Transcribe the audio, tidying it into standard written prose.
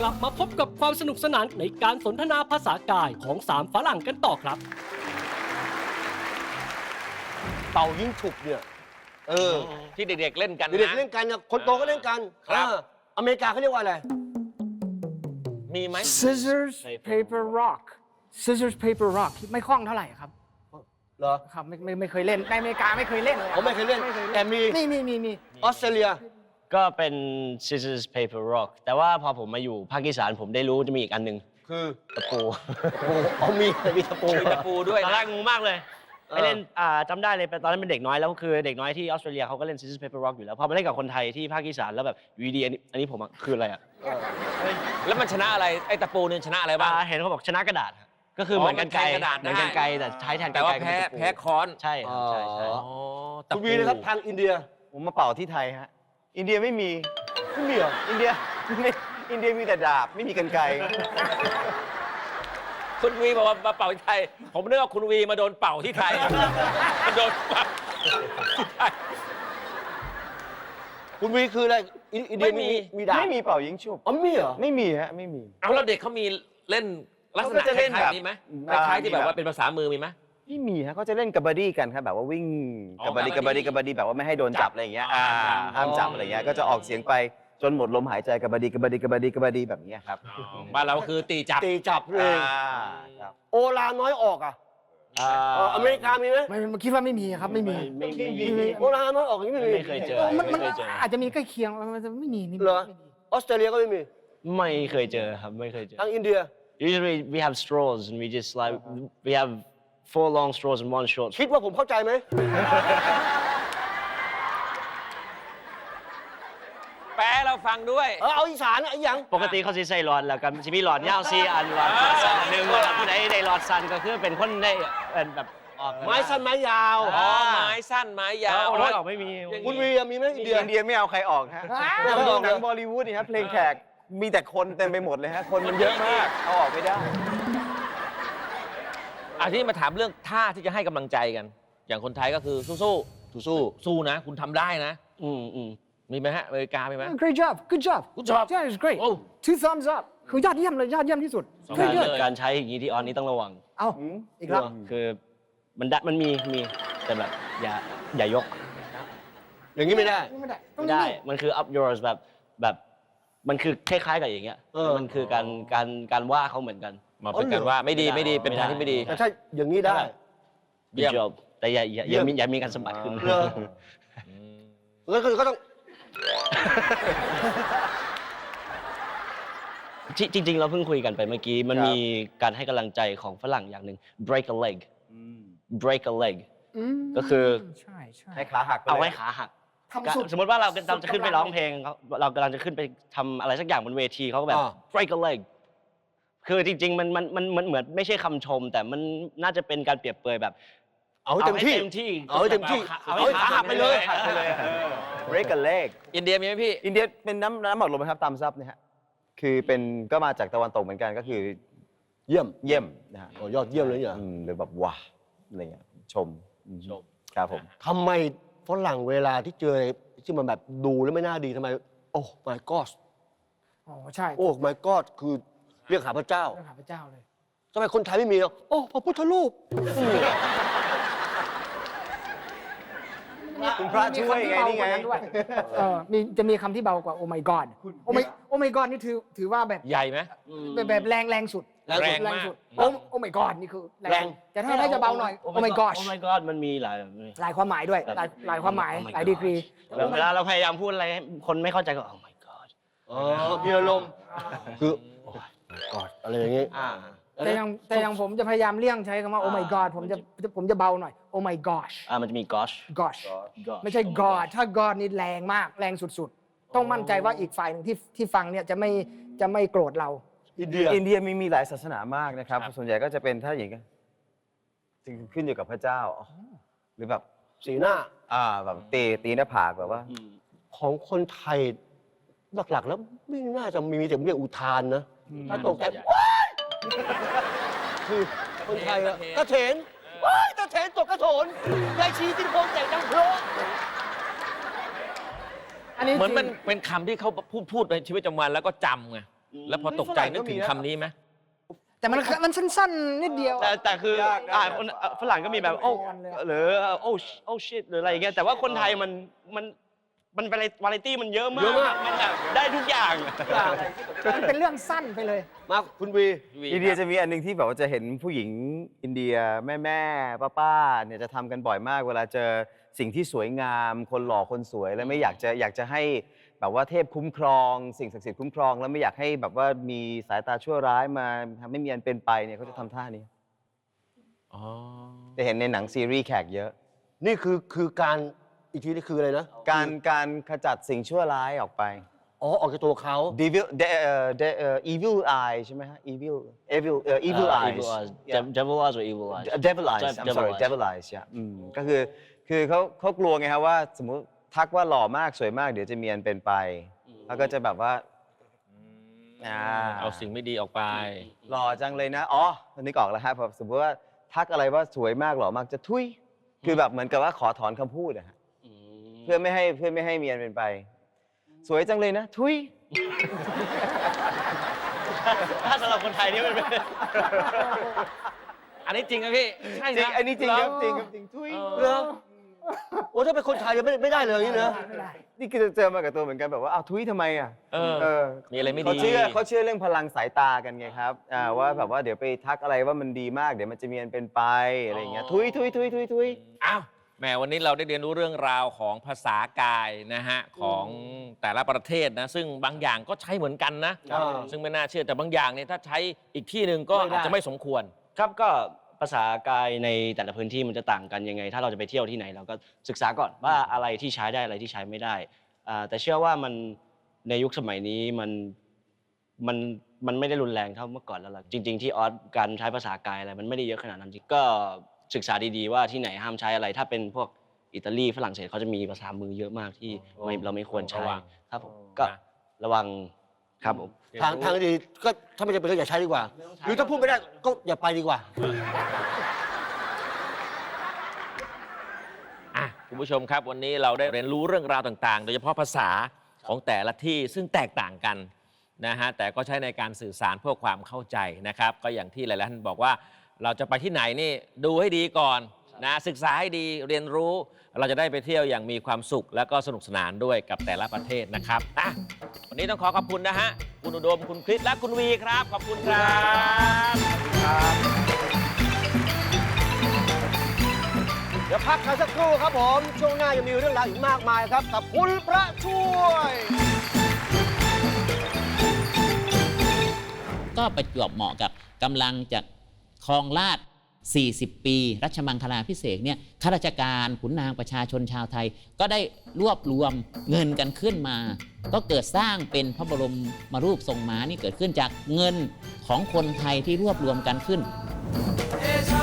ลับมาพบกับความสนุกสนานในการสนทนาภาษากายของ3ฝรั่งกันต่อครับเป่ายิงฉุบเนี่ยที่เด็กๆเล่นกันนะเด็กๆเล่นกันนะคนโตก็เล่นกันครับอเมริกาเขาเรียกว่าอะไรมีไหม scissors paper rock scissors paper rock ไม่คล่องเท่าไหร่ครับเหรอครับไม่เคยเล่นในอเมริกาไม่เคยเล่นเลยผมไม่เคยเล่นแต่มีมีออสเตรเลียก็เป็น scissors paper rock แต่ว่าพอผมมาอยู่ภาคอีสานผมได้รู้จะมีอีกอันหนึ่งคือตะปูมีตะปูมีตะปูด้วยตอนแรนะกงงมากเลยไปเล่นจำได้เลยตอนนั้นเป็นเด็กน้อยแล้วคือเด็กน้อยที่ออสเตรเลียเขาก็เล่น scissors paper rock อยู่แล้วพอมาเล่นกับคนไทยที่ภาคอีสานแล้วแบบอยู่ดีๆอันนี้ผมอะคืออะไรอะแล้วมันชนะอะไรไอ้ตะปูเนี่ยชนะอะไรบ้างเห็นเขาบอกชนะกระดาษครับก็คือเหมือนกันไกรมันแทนกระดาษได้เหมือนกันไกรแต่ใช้แทนกันแต่ไกรว่าก็แพ้เป็นตะปูแพ้ค้อนใช่ครับใช่อ๋อตะคุณปูวีนะครับทางอินเดียผมมาเป่าที่ไทยฮะ อินเดียไม่มีไม่มีเหรออินเดียไม่อินเดียมีแต่ดาบ ไม่มีกรรไกรคุณวีบอกว่ามาเป่าที่ไทย ผมนึกว่าคุณวีมาโดนเป่าที่ไทยมาโดนเป่าที่ไทยคุณวีคืออะไรอินเดียไม่มีมีดาบไม่มีเป่ายิงฉุบอ๋อไม่มีเหรอไม่มีฮะ ไม่มีเอาแล้วเด็กเขามีเล่นลักษณะเขาก็จะคเล่นล้ายแบบๆนี้ไหมคอ่าล้ายๆที่แบบมีแบบว่าเป็นภาษามือมีไหมไม่มีฮะเขาจะเล่นกับบาร์ดี้กันครับแบบว่าวิ่งอ๋อกับบาร์ดี้กักับบาบัร์ดดี้ดี้กับบาร์ดี้แบบว่าไม่ให้โดนจับอะไรอย่างเงี้ยอ๋อห้ามจับอะไรเงี้ย ก็จะออกเสียงไปจนหมดลมหายใจกับบาร์ดี้กับบาร์ดี้กับบาร์ดี้กับบาร์ดี้แบบเนี้ยครับบ้านเราคือตีจับตีจับเลยครับโอลาน้อยออกอ่ะอเมริกามีไหมไม่คิดว่าไม่มีครับไม่มีโอลาน้อยออกอย่างนี้ไม่มีไม่เคยเจอมันไม่เคยเจออาจจะมีใกล้เคียงมันจะไม่มีเหรอออสเตรเลียก็ไม่มีไม่เคยเจอครับไม่เคยเจอทางอินเดีย Usually we have straws and we just like we have 4 long straws and 1 short. คิดว่าผมเข้าใจไหมแปลเราฟังด้วยเอาอีสานไอ้หยังปกติเขาสิใส่หลอดแล้วกันจะมีหลอดยาว4 อันหลอดสั้นหนึ่งเวลาผู้ใดได้หลอดสั้นก็คือเป็นคนได้เป็นแบบออกไม้สั้นไม้ยาวอ๋อไม้สั้นไม้ยาวโอ้ยออกไม่มีคุณวีมีไหมอินเดียอินเดียไม่เอาใครออกฮะไม่เอาใครออกหนังบอลลีวูดนี่ฮะเพลงแขกมีแต่คนเต็มไปหมดเลยฮะ คนมันเยอะมาก เอาออกไม่ได้ที่มาถามเรื่องท่าที่จะให้กำลังใจกัน อย่างคนไทยก็คือสู้นะ คุณทำได้นะ มีไหมฮะอเมริกามีไหม great job good job Good job yeah it's great โอ้ two thumbs up คือยอดเยี่ยมเลยยอดเยี่ยมที่สุดการ very good การใช้อย่างนี้ที่ออนนี้ต้องระวังเอ้าอีกแล้วคือมันมีแต่แบบอย่ายกอย่างนี้ไม่ได้ไม่ได้ไม่ได้มันคือ up yours แบบมันคือคล้ายๆกับอย่างเงี้ยมันคือการว่าเขาเหมือนกันมาเป็นการว่าไม่ดีเป็นทางที่ไม่ดีแต่ถ้าอย่างนี้ได้เยี่ยม Good job แต่อย่ามีการสมบัติขึ้นเหรอ แล้วก็ต้องจริงๆ เราเพิ่งคุยกันไปเมื่อกี้ มันมีการให้กำลังใจของฝรั่งอย่างหนึ่ง break a leg break a leg ก็คือใช่ให้ขาหักไปเอาลยไว้ขาหักทำสุดสมมติว่าเราจะขึ้นไปร้องเพลงเรากำลังจะขึ้นไปทำอะไรสักอย่างบนเวทีเขาก็แบบ break a leg คือจริงๆมันเหมือนไม่ใช่คำชม แต่มันน่าจะเป็นการเปรียบเปรยแบบเอาให้เต็มที่ เอาให้เต็มที่เอาให้ขาหักไปเลย break a leg อินเดียมีไหมพี่อินเดียเป็นน้ำหมดลมนะครับตามซับนะฮะ คือเป็นก็มาจากตะวันตกเหมือนกันก็คือเยี่ยมเยี่ยมนะฮะโอ้ยอดเยี่ยมเลยเนี่ยหรือแบบว้าอะไรเงี้ยชมครับผมทำไมฝรั่งเวลาที่เจออะไรที่มันแบบดูแล้วไม่น่าดีทำไม โอ้ my god อ๋อใช่โอ้ my god คือเรียกหาพระเจ้าเรื่องหาพระเจ้าเลยทำไมคนไทยไม่มีอ่ะโอ้พระพุทธรูปคุณพระช่วยไงนี่ไงจะมีคำที่เบากว่า oh my god oh my god นี่ถือว่าแบบใหญ่ไหมแบบแรงสุดแรงมากสุดoh my god นี่คือแรงแต่ถ้าจะเบาหน่อย oh my gosh oh my god มันมีหลายหลายความหมายด้วยหลายความหมาย Oh my หลายดีกรีแบบเวลาเราพยายามพูดอะไรให้คนไม่เข้าใจก็ oh my god อ๋อมีอารมณ์คือโอ้ my god อะไรอย่างงี้แต่อย่างผมจะพยายามเลี่ยงใช้คำว่า oh my god ผมจะเบาหน่อย oh my gosh มันจะมี gosh gosh ไม่ใช่ god ถ้า god นี่แรงมากแรงสุดๆ ต้องมั่นใจว่าอีกฝ่ายหนึ่งที่ฟังเนี่ยจะไม่โกรธเราอินเดียอินเดียมีหลายศาสนามากนะครับ ส่วนใหญ่ก็จะเป็นถ้าอย่างนี้ขึ้นอยู่กับพระเจ้า หรือแบบสีหน้าแบบตีหน้าผากแบบว่าของคนไทยหลักๆแล้วไม่น่าจะมีแต่เรียกอุทานนะถ้าตกใจว้ายคือคนไทยอะตะเถนว้ายตะเถนตกกระโถนยายชีตินโพงแจกดังเพลออันนี้เหมือนมันเป็นคำที่เขาพูดในชีวิตประจำวันแล้วก็จำไงแล้วพอตกใจนึกถึงคำนี้ไหมแต่มันสั้นๆนิดเดียวแต่คือยากนะคนฝรั่งก็มีแบบโอ้เลยอะหรือโอ้ชิตหรืออะไรอย่างเงี้ยแต่ว่าคนไทยมันวาไรตี้มันเยอะมากมันแบบได้ทุกอย่างมันเป็นเรื่องสั้นไปเลยมาคุณวีอินเดียจะมีอันหนึงที่แบบว่าจะเห็นผู้หญิงอินเดียแม่ป้าเนี่ยจะทำกันบ่อยมาก เวลาเจอสิ่งที่สวยงาม คนหล่อคนสวยแล้วไม่อยากจะให้แบบว่าเทพคุ้มครอง สิ่งศักดิ์สิทธิ์คุ้มครองแล้วไม่อยากให้แบบว่ามีสายตาชั่วร้ายมาทำให้มีอันเป็นไปเนี่ยเขาจะทำท่านี้อ๋อจะเห็นในหนังซีรีส์แขกเยอะนี่คือการอีกทีนี่คืออะไรนะการขจัดสิ่งชั่วร้ายออกไปอ๋อออกจากตัวเขา evil eye ใช่ไหมฮะ evil eyes Yeah. devil eyes or evil eyes devil eyes I'm Devil sorry eyes devil eyes ก็คือเขากลัวไงครับว่าสมมุติทักว่าหล่อมากสวยมากเดี๋ยวจะมีอันเป็นไปแล้วก็จะแบบว่าเอาสิ่งไม่ดีออกไปหล่อจังเลยนะอ๋อนึกออกแล้วครับพอสมมติว่าทักอะไรว่าสวยมากหล่อมากจะทุยคือแบบเหมือนกับว่าขอถอนคำพูดอะฮะเพื่อไม่ให้มีอันเป็นไป สวยจังเลยนะทุยถ้าสำหรับคนไทยนี่มันเป็นอันนี้จริงครับพี่ ใช่จริงนะอันนี้จริงครับจริงครับจริงทุยเหรอโอ้ถ้าเป็นคนไทยยังไม่ได้เลยอย่างนี้นะไม่ได้นี่คือเจอมากับตัวเหมือนกันแบบว่าอ้าวทุยทำไมอ่ะมีอะไรไม่ดีเขาเชื่อเรื่องพลังสายตากันไงครับว่าแบบว่าเดี๋ยวไปทักอะไรว่ามันดีมากเดี๋ยวมันจะมีอันเป็นไปอะไรอย่างเงี้ยทุยอ้าวแหมวันนี้เราได้เรียนรู้เรื่องราวของภาษากายนะฮะของแต่ละประเทศนะซึ่งบางอย่างก็ใช้เหมือนกันนะ ซึ่งไม่น่าเชื่อแต่บางอย่างเนี่ยถ้าใช้อีกที่หนึ่งก็อาจจะไม่สมควรครับก็ภาษากายในแต่ละพื้นที่มันจะต่างกันยังไง ถ้าเราจะไปเที่ยวที่ไหนเราก็ศึกษาก่อนว่าอะไรที่ใช้ได้อะไรที่ใช้ไม่ได้แต่เชื่อว่ามันในยุคสมัยนี้มันไม่ได้รุนแรงเท่าเมื่อก่อนแล้วล่ะจริง ๆ ที่ออสการใช้ภาษากายอะไรมันไม่ได้เยอะขนาดนั้นจริงก็ศึกษาดีๆว่าที่ไหนห้ามใช้อะไร ถ้าเป็นพวกอิตาลีฝรั่งเศสเขาจะมีภาษามือเยอะมากที่เราไม่ควรใช้ระวังครับผมก็ระวังครับผมทางดีก็ถ้าไม่จำเป็นก็อย่าใช้ดีกว่า หรือถ้าพูดไม่ได้ก็อย่าไปดีกว่าคุณผู้ชมครับวันนี้เราได้เรียนรู้เรื่องราวต่างๆ โดยเฉพาะภาษาของแต่ละที่ซึ่งแตกต่างกันนะฮะแต่ก็ใช้ในการสื่อสารเพื่อความเข้าใจนะครับก็อย่างที่หลายๆท่านบอกว่าเราจะไปที่ไหนนี่ดูให้ดีก่อนนะศึกษาให้ดีเรียนรู้เราจะได้ไปเที่ยวอย่างมีความสุขและก็สนุกสนานด้วยกับแต่ละประเทศนะครับวันนี้ต้องขอขอบคุณนะฮะคุณอุดมคุณคริสและคุณวีครับขอบคุณครับเดี๋ยวพักกันสักครู่ครับผม ช่วงหน้ายังมีเรื่องราวอีกมากมายครับ กับคุณพระช่วยก็ประจวบเหมาะกับกำลังจะครองราชย์40 ปีรัชมังคลาภิเษกเนี่ยข้าราชการขุนนางประชาชนชาวไทย ก็ได้รวบรวมเงินกันขึ้นมา ก็เกิดสร้างเป็นพระบรมรูปทรงม้านี่เกิดขึ้นจากเงินของคนไทยที่รวบรวมกันขึ้น It's